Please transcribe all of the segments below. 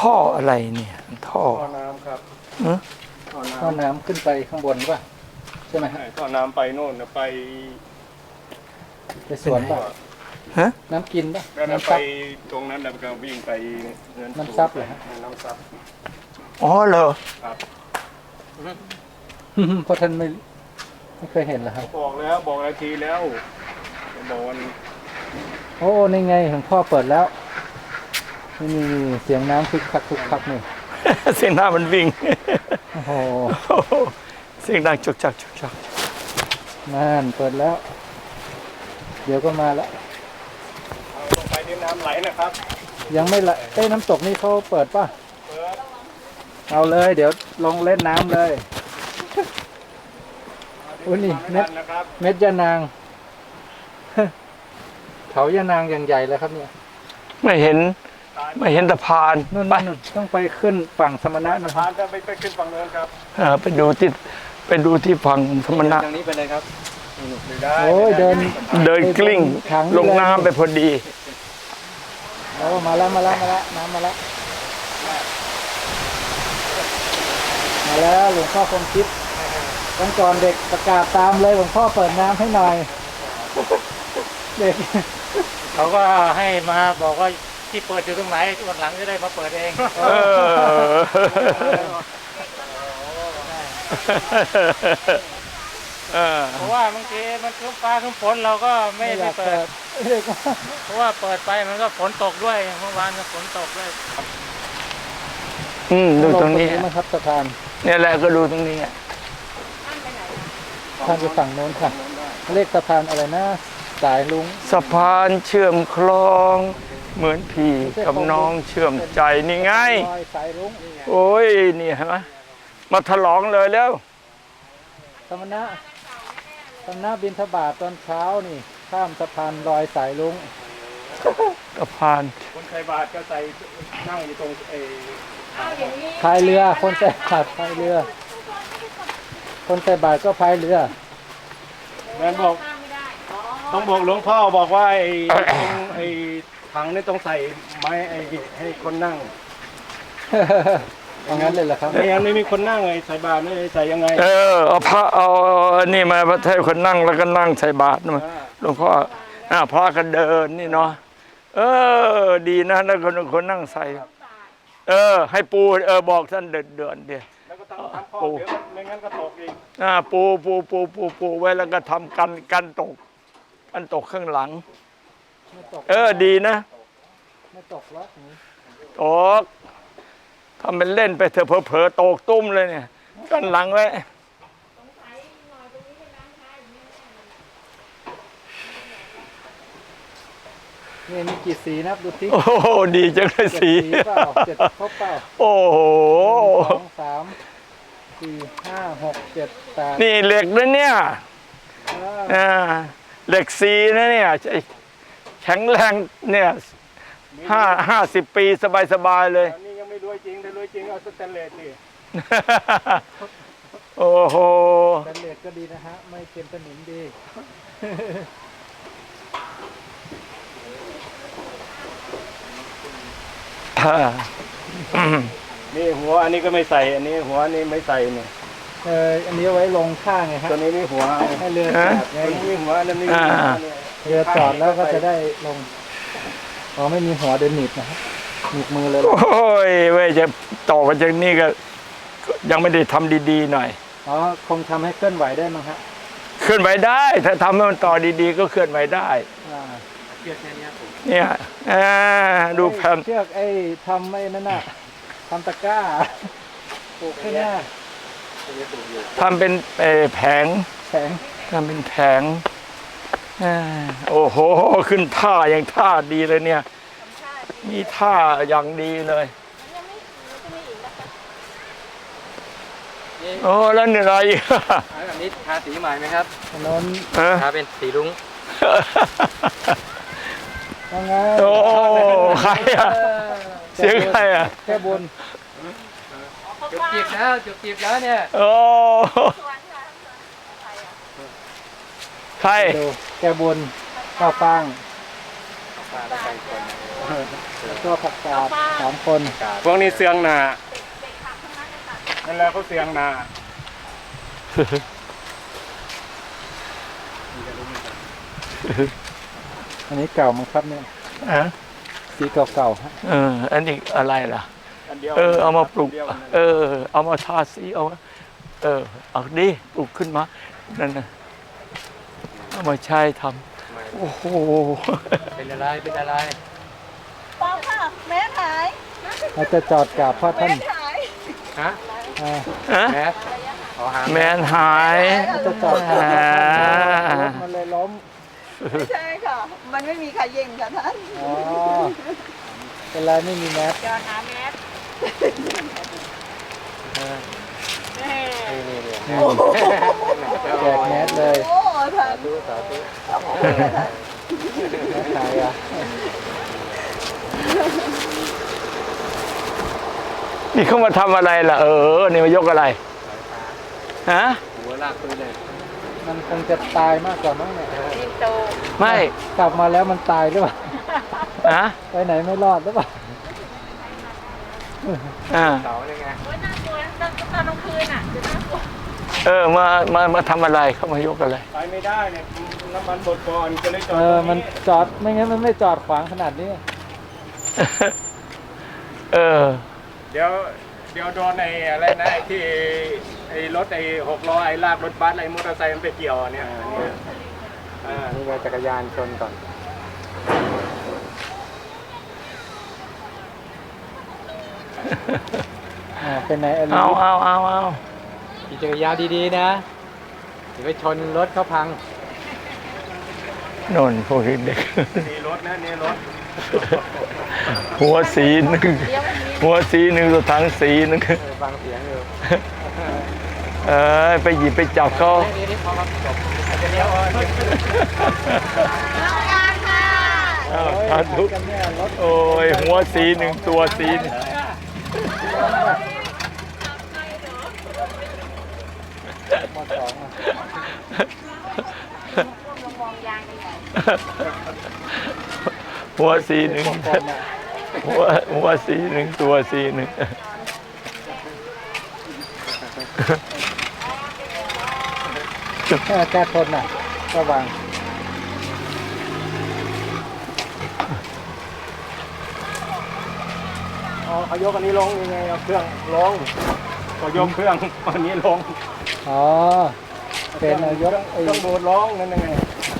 ท่ออะไรเนี่ยท่อท่อน้ำครับท่อน้ำขึ้นไปข้างบนป่ะใช่ไหมฮะท่อน้ำไปโน่นไปสวนป่ะฮะน้ำกินป่ะแล้วน้ำไปซับตรงนั้นแล้วก็วิ่งไปน้ำซับเหรอฮะน้ำซับอ๋อเหรอครับเพราะท่านไม่เคยเห็นเหรอครับบอกแล้วทีแล้วบอกวันโอ้นี่ไงหลวงพ่อเปิดแล้วนี่เสียงน้ำคึกคักคึกคักนี่เสียงน้ำมันวิ่งโอ้โหเสียงดังจุกจักจุกจักนั่นเปิดแล้วเดี๋ยวก็มาแล้วลงไปที่น้ำไหลนะครับยังไม่ละน้ำตกนี่เขาเปิดป่ะเอาเลยเดี๋ยวลงเล่นน้ำเลยอุ้ยนี่เม็ดยะนางเขายะนางอย่างใหญ่เลยครับเนี่ยไม่เห็นสะพานไปต้องไปขึ้นฝั่งสมณะนะสะพานจะไปขึ้นฝั่งโน้นครับไปดูที่ฝั่งสมณะทางนี้ไปเลยครับโอ้ยเดินกลิ้งลงน้ำไปพอดีโอ้มาแล้วน้ำมาแล้วมาแล้วหลวงพ่อคงคิดวันก่อนเด็กประกาศตามเลยหลวงพ่อเปิดน้ำให้หน่อยเด็กเขาก็ให้มาบอกว่าที่เปิดอยู่ตรงไหนวันหลังจะได้มาเปิดเองเพราะว่าบางทีมันครึ้มฟ้าครึ้มฝนเราก็ไม่ได้เปิดเพราะว่าเปิดไปมันก็ฝนตกด้วยเมื่อวานก็ฝนตกด้วยดูตรงนี้นะครับสะพานเนี่ยแหละก็ดูตรงนี้ทางไปฝั่งโน้นค่ะเรียกสะพานอะไรนะสายลุงสะพานเชื่อมคลองเหมือนพี่กับน้องเชื่อมใจนี่ไงสายลุงโอ้ยนี่เห็นไหมมาฉลองเลยแล้วสมณะบิณฑบาตตอนเช้านี่ข้ามสะพานลอยสายลุงสะพานคนใส่บาตรก็ใส่นั่งอยู่ตรงพายเรือคนใส่บาตรพายเรือคนใส่บาตรก็พายเรือแม่บอกต้องบอกหลวงพ่อบอกว่าไอ้ถังนี่ต้องใส่ไม้ให้คนนั่งเอางั้นเลยเหรอครับไม่งั้นไม่มีคนนั่งไงใส่บาตรนี่ใส่ยังไงเอาพระเอานี่มาให้คนนั่งแล้วก็นั่งใส่บาตรนะหลวงพ่อพระก็เดินนี่เนาะดีนะแล้วคนนั่งใส่ให้ปูบอกท่านเดินเดียวแล้วก็ทำปูไม่งั้นก็ตกอีกปูไว้แล้วก็ทำกันตกข้างหลังดีนะไม่ตกแล้วตกทำเป็นเล่นไปเถอะเผลอตกตุ้มเลยเนี่ยกันหลังไว้นี่มีกี่สีนะดูสิโอ้โหดีจังเลยสีเปล่า7ครบเปล่าโอ้โห 1 2 3 4 5 6 7 8 นี่เหล็กนะเนี่ยเหล็กสีนะเนี่ยแข็งแรงเนี่ย50 ปีสบายเลยนี่ยังไม่รวยจริงถ้ารวยจริงเอาสแตนเลสดิโอ้โหสแตนเลสก็ดีนะฮะไม่เป็นสนิมดีนี่หัวอันนี้ก็ไม่ใส่อันนี้หัวนี่ไม่ใส่เนี่ยอันนี้ไว้ลงข้างไงฮะตัวนี้มีหัวให้เรือจอดไงมีหัวอันนี้เรือจอดแล้วก็จะได้ลงไม่มีหัวเดินหนีบนะฮะหนีบมือเลยโอ้ยเว้ยจะต่อมาจากนี้ก็ยังไม่ได้ทำดีๆหน่อยคงทำให้เคลื่อนไหวได้มั้งฮะเคลื่อนไหวได้ถ้าทำให้มันต่อดีๆก็เคลื่อนไหวได้เนี่ยดูแผ่นเชือกทำไม่นั่นน่ะทำตะกร้าปลูกแค่นี้ทำเป็นแผงทำเป็นแผงโอ้โหขึ้นท่าอย่างท่าดีเลยเนี่ยมีท่าอย่างดีเลยโอ้แล้วเหนื่อยอันนี้ทาสีใหม่ไหมครับนนทาเป็นสีรุ้งโอ้ใครเสียงใครแค่บนจุกจีบแล้วเนี่ยโอ้ใครแค่บนข้าวฟ่างแล้วก็ผักกาด3 คนพวกนี้เสียงนานั่นแหละเขาเสียงนาอันนี้เก่ามั้งครับเนี่ยอ่ะสีเก่าๆฮะอันนี้อะไรล่ะอันเดียวเอามาปลูกอันเดียวกันเอามาทาสีเอาเอาดิปลูกขึ้นมานั่นนะเอามาใช้ทำโอ้โหเป็นอะไรเป็นอะไรปองค่ะ แม่ขายเราจะจอดกราบพ่อท่านแม่ขายฮะอ่าฮะแมสขอหาแมนหายเราจะจอดกราบพ่อท่านรถมันเลยล้มไม่ใช่ค่ะ มันไม่มีใครเย่งค่ะท่านอ๋อเป็นไรไม่มีแมสจอดหาแมสแม่แจกแมสเลยโอ้ท่านแมสขายอ่ะนี่เขามาทำอะไรล่ะนี่มายกอะไรฮะหัวลากปืนเลยมันคงจะตายมากกว่ามั้งเนี่ยยิงโตไม่กลับมาแล้วมันตายหรือเปล่าฮะไปไหนไม่รอดหรือเปล่าเสาเลยไงโอ้ยน่ากลัวตอนกลางคืนอ่ะจะน่ากลัวมาทำอะไรเขามายกอะไรไปไม่ได้เนี่ยน้ำมันหมดก่อนก็เลยจอดมันจอดไม่งั้นมันไม่จอดขวางขนาดนี้เดี๋ยวโดนไอ้อะไรนะไอ้ที่ไอ้รถไอ้6 ล้อไอ้ลากรถบัสไอ้มอเตอร์ไซค์มันไปเกี่ยวเนี่ยนี่จักรยานชนก่อนเป็นไหนอะไรเอาขี่จักรยานดีๆนะเดี๋ยวไปชนรถเขาพังโนนพวกเด็กนี่รถนะนี่รถหัวสีหนึ่งหัวสีหนึ่งตัวถังสีหนึ่งฟังเสียงอยู่ไปหยิบไปจับเขานี่พอครับจบจะเลี้ยวสาธุโอ้ยหัวสีหนึ่งตัวสีหนึ่งมาสองอ่ะหัวสีหนึ่งหัวสีหนึ่งตัวสีหนึ่งแก้ทนน่ะระวังเขายกอันนี้ลงยังไงเอาเครื่องลงก็ยกเครื่องอันนี้ลงอ๋อเป็นนายกเครื่องโบดร้องนั่นยังไง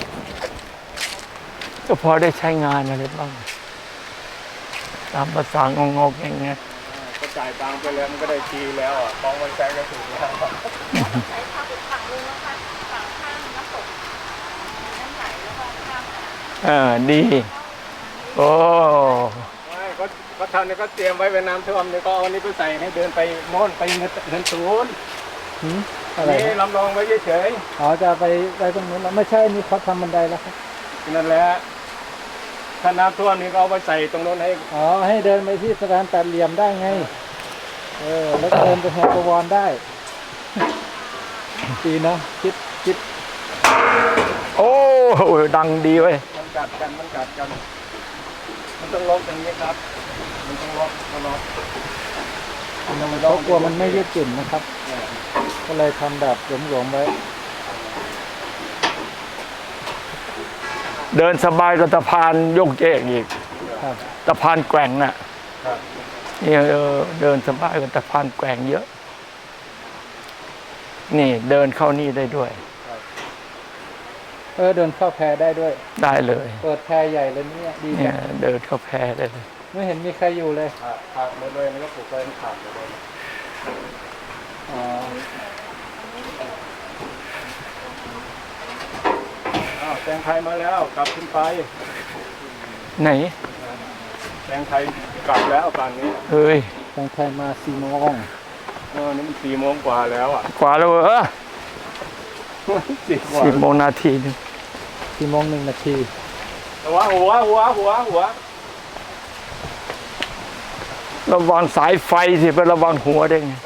ก็พอได้ใช้งานอะไรบ้างตามภาษางงๆอย่างเงี้ยก็จ่ายตังค์ไปแล้วมันก็ได้ทีแล้วอ่ะกองไว้ใช้ก็ถูกแล้วใช้ทางฝั่งนึงนะคะฝั่งข้างน้ำตกน้ำไหลแล้วก็ข้ามดี โอ้ไม่ก็ทำเนี่ยก็เตรียมไว้เป็นน้ำท่วมเนี่ยก็เอาอันนี้ไปใส่ให้เดินไปโน่นไปเงินศูนย์อะไรนี่นะลำลองไว้เฉยอ๋อจะไปตรงนู้นแล้วไม่ใช่นี่เขาทำบันไดแล้วครับๆนั่นแหละถ้าน้ำท่วมนี่ก็เอาไปใส่ตรงโน้นให้อ๋อให้เดินไปที่สะพานแปดเหลี่ยมได้ไงแล้วก็เดินไปแฮปวอนได้ดีนะคิดโอ้ดังดีเว้ยมันกัดกันมันต้องล็อกอย่างนี้ครับมันต้องล็อกเขากลัวมันไม่ยืดหยุ่นนะครับ ก็เลยทำแบบหลวมๆไว้เดินสบายกับสะพานโยกเยกอีกครับสะพานแกว่งน่ะครับนี่เดินสบายกับสะพานแกว่งเยอะ นี่เดินเข้านี่ได้ด้วยเดินเข้าแพได้ด้วยได้เลยเปิดแพใหญ่เลยเนี่ยดีเนี่จัยงเดินเข้าแพได้เลยไม่เห็นมีใครอยู่เลยขาดหมดเลยมันก็ปลูกไว้ขาดหมดเลยอ๋อแตงไทยมาแล้วกลับขึ้นไปไหนแตงไทยกลับแล้วป่านนี้เฮ้ยทางไทยมา4 โมงนี่มัน4 โมงกว่าแล้วอ่ะกว่าแล้วเหรอ 10 กว่า 10 โมงนาทีหนึง 4 โมง 1 นาทีหัวระวังสายไฟสิไประวังหัวได้ไง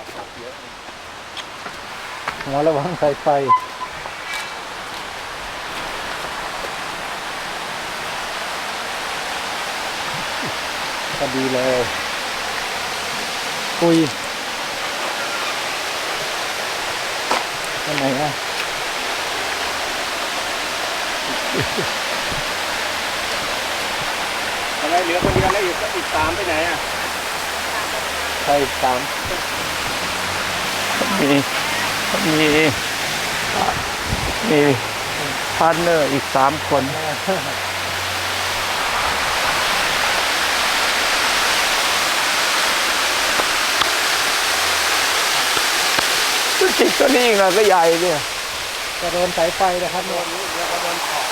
หัวระวังสายไฟพอดีเลยคุยอันไหนอ่ะอะไรเหลือคนเดียวแล้วอีก3ไปไหนอ่ะใช่สามมีมีพาร์ทเนอร์อีก3 คนตัวจิกตัวนี้อีกนะก็ใหญ่เนี่ยจะโดนสายไฟนะครับโดนแล้วก็โดนขอบ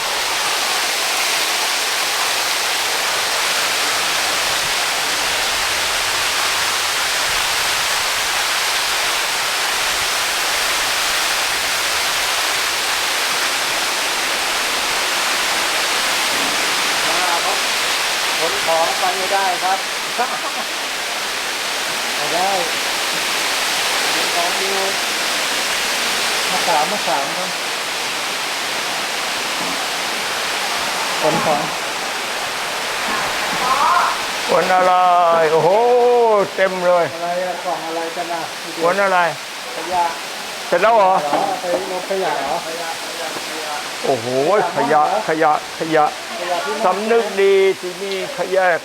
ขนของไปไม่ได้ครับไม่ได้ขนของอยู่มาสามครับขนของคนอะไร โอ้โห เต็มเลยอะไรอะกล่องอะไรกันอ่ะคนอะไรขยะเสร็จแล้วเหรอเหรอไปลงขยะเหรอโอ้โห ขยะขยะที่สำนึกดีที่มีขยะ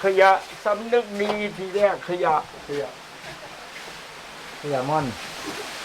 สำนึกดีที่แยกขยะขยะม่อนข